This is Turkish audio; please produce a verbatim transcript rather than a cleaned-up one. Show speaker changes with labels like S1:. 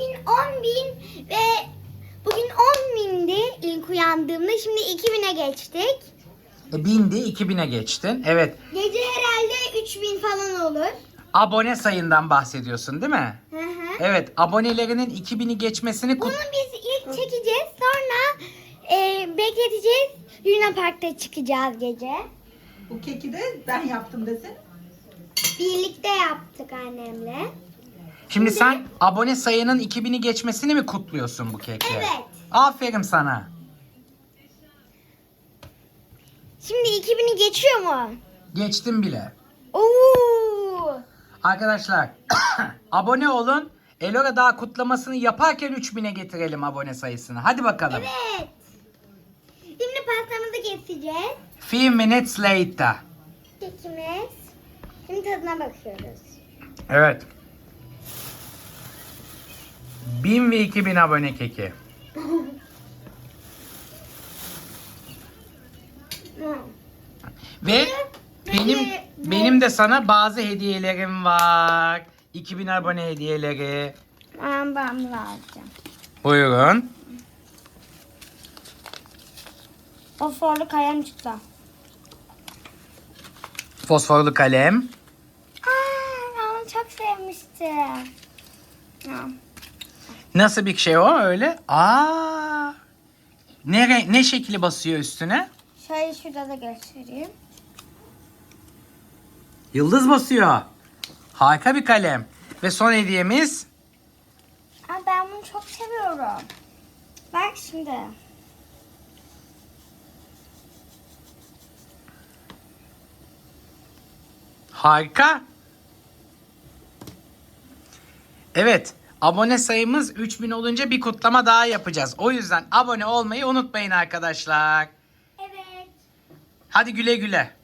S1: bugün on bin ve bugün on bindi ilk uyandığımda. Şimdi iki bine geçtik.
S2: E, bindi, iki bine geçtin. Evet.
S1: Gece herhalde üç bin falan olur.
S2: Abone sayından bahsediyorsun değil mi?
S1: Hı hı.
S2: Evet, abonelerinin iki bini geçmesini
S1: Bunu
S2: kut...
S1: biz ilk çekeceğiz. Sonra e, bekleteceğiz. Luna Park'ta çıkacağız gece.
S3: Bu keki de ben yaptım desene.
S1: Birlikte yaptık annemle.
S2: Şimdi sen abone sayının iki bini geçmesini mi kutluyorsun bu kekle?
S1: Evet.
S2: Aferin sana.
S1: Şimdi iki bini geçiyor mu?
S2: Geçtim bile.
S1: Oo!
S2: Arkadaşlar abone olun. Elora daha kutlamasını yaparken üç bine getirelim abone sayısını. Hadi bakalım.
S1: Evet. Şimdi pastamızı keseceğiz.
S2: Few minutes later.
S1: Kekimiz. Şimdi tadına bakıyoruz.
S2: Evet. bin ve iki bin abone keki.
S1: Hı.
S2: Ve benim benim de sana bazı hediyelerim var. iki bin abone hediyeleri.
S1: Ben ben bunu alacağım.
S2: Buyurun.
S1: Fosforlu kalem çıktı.
S2: Fosforlu kalem.
S1: Aa, ben onu çok sevmiştim. Ha.
S2: Nasıl bir şey o öyle? Aa. Ne renk, ne şekli basıyor üstüne?
S1: Şöyle şurada da göstereyim.
S2: Yıldız basıyor. Harika bir kalem. Ve son hediyemiz
S1: Aa, ben bunu çok seviyorum. Bak şimdi.
S2: harika. Evet. Abone sayımız üç bin olunca bir kutlama daha yapacağız. O yüzden abone olmayı unutmayın arkadaşlar.
S1: Evet.
S2: Hadi güle güle.